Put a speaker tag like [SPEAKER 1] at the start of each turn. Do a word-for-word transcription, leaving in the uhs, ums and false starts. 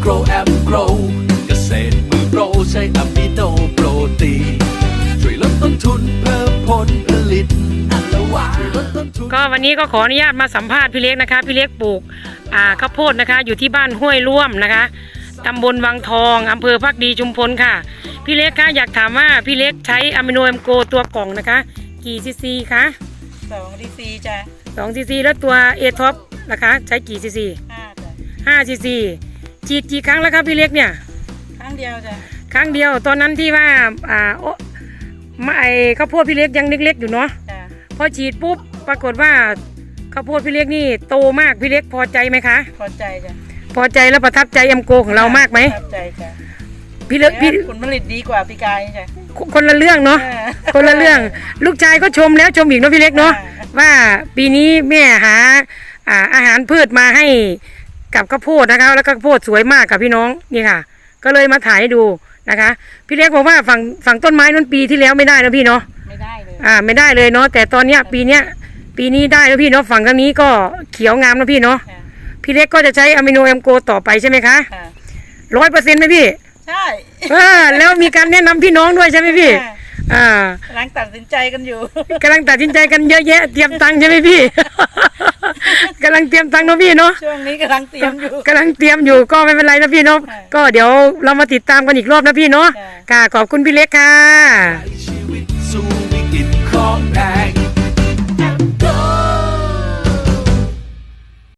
[SPEAKER 1] Grow and Grow เกษตรมือโปรใช้อะมิโนโปรตีช่วยลดต้นทุนเพิ่มผลผลิตก็วันนี้ก็ขออนุญาตมาสัมภาษณ์พี่เล็กนะคะพี่เล็กปลูกอ่าข้าวโพดนะคะอยู่ที่บ้านห้วยร่วมนะคะตำบลวังทองอำเภอภักดีชุมพลค่ะพี่เล็กคะอยากถามว่าพี่เล็กใช้อะมิโนเอ็มโกตัวกล่องนะคะกี่ซีซีคะ
[SPEAKER 2] สองซีซีจ้ะ
[SPEAKER 1] สองซีซีแล้วตัวเอท็อปนะคะใช้กี่ซีซี
[SPEAKER 2] ห้าจ้ะ
[SPEAKER 1] ห้าซีซีฉีดกี่ครั้งแล้วครับพี่เล็กเนี่ย
[SPEAKER 2] ครั้งเดียวจ้ะ
[SPEAKER 1] ครั้งเดียวตอนนั้นที่ว่าอ่าโอ้ไม่ข้าวโพดพี่เล็กยังเล็กๆอยู่เนาะพอฉีดปุ๊บปรากฏว่าข้าวโพดพี่เล็กนี่โตมากพี่เล็กพอใจไหมคะ
[SPEAKER 2] พอใจจ้ะ
[SPEAKER 1] พอใจแล้วประทับใจเอ็มโกของเรามากไหม
[SPEAKER 2] ประทับใจจ้ะ
[SPEAKER 1] พี่เล็กพี่
[SPEAKER 2] ผลผลิตดีกว่าปีกายจ้ะ
[SPEAKER 1] คนละเรื่องเนาะคนละเรื่องลูกชายก็ชมแล้วชมอีกเนาะพี่เล็กเนาะว่าปีนี้แม่หาอ่าอาหารพืชมาให้กับข้าวโพดนะคะแล้วก็ข้าวโพดสวยมากกับพี่น้องนี่ค่ะก็เลยมาถ่ายให้ดูนะคะพี่เล็กบอกว่าฝั่งฝั่งต้นไม้นั้นปีที่แล้วไม่ได้นะพี่เนาะ
[SPEAKER 2] ไม่ได้เลย
[SPEAKER 1] อ่าไม่ได้เลยเนาะแต่ตอนเนี้ยปีเนี้ยปีนี้ได้แล้วพี่เนาะฝั่งทางนี้ก็เขียวงามนะพี่เนาะพี่เล็กก็จะใช้อะมิโนเอ็มโกต่อไปใช่ไหมคะร้อยเปอร์เซ็นต์ไหมพี่
[SPEAKER 2] ใช่
[SPEAKER 1] เออแล้วมีการแนะนำพี่น้องด้วยใช่ไหมพี่อ่าก
[SPEAKER 2] ำลังตัดสินใจกันอยู่
[SPEAKER 1] กำลังตัดสินใจกันเยอะแยะเตรียมตังค์ใช่ไหมพี่กำลังเตรียมตังค์เนาะพี่เนาะ
[SPEAKER 2] ช่วงนี้กำลังเตรียมอยู่
[SPEAKER 1] กำลังเตรียมอยู่ก็ไม่เป็นไรนะพี่เนาะก็เดี๋ยวเรามาติดตามกันอีกรอบนะพี่เนาะค่ะขอบคุณพี่เล็กค่ะชีวิตสู่วิกฤตของแด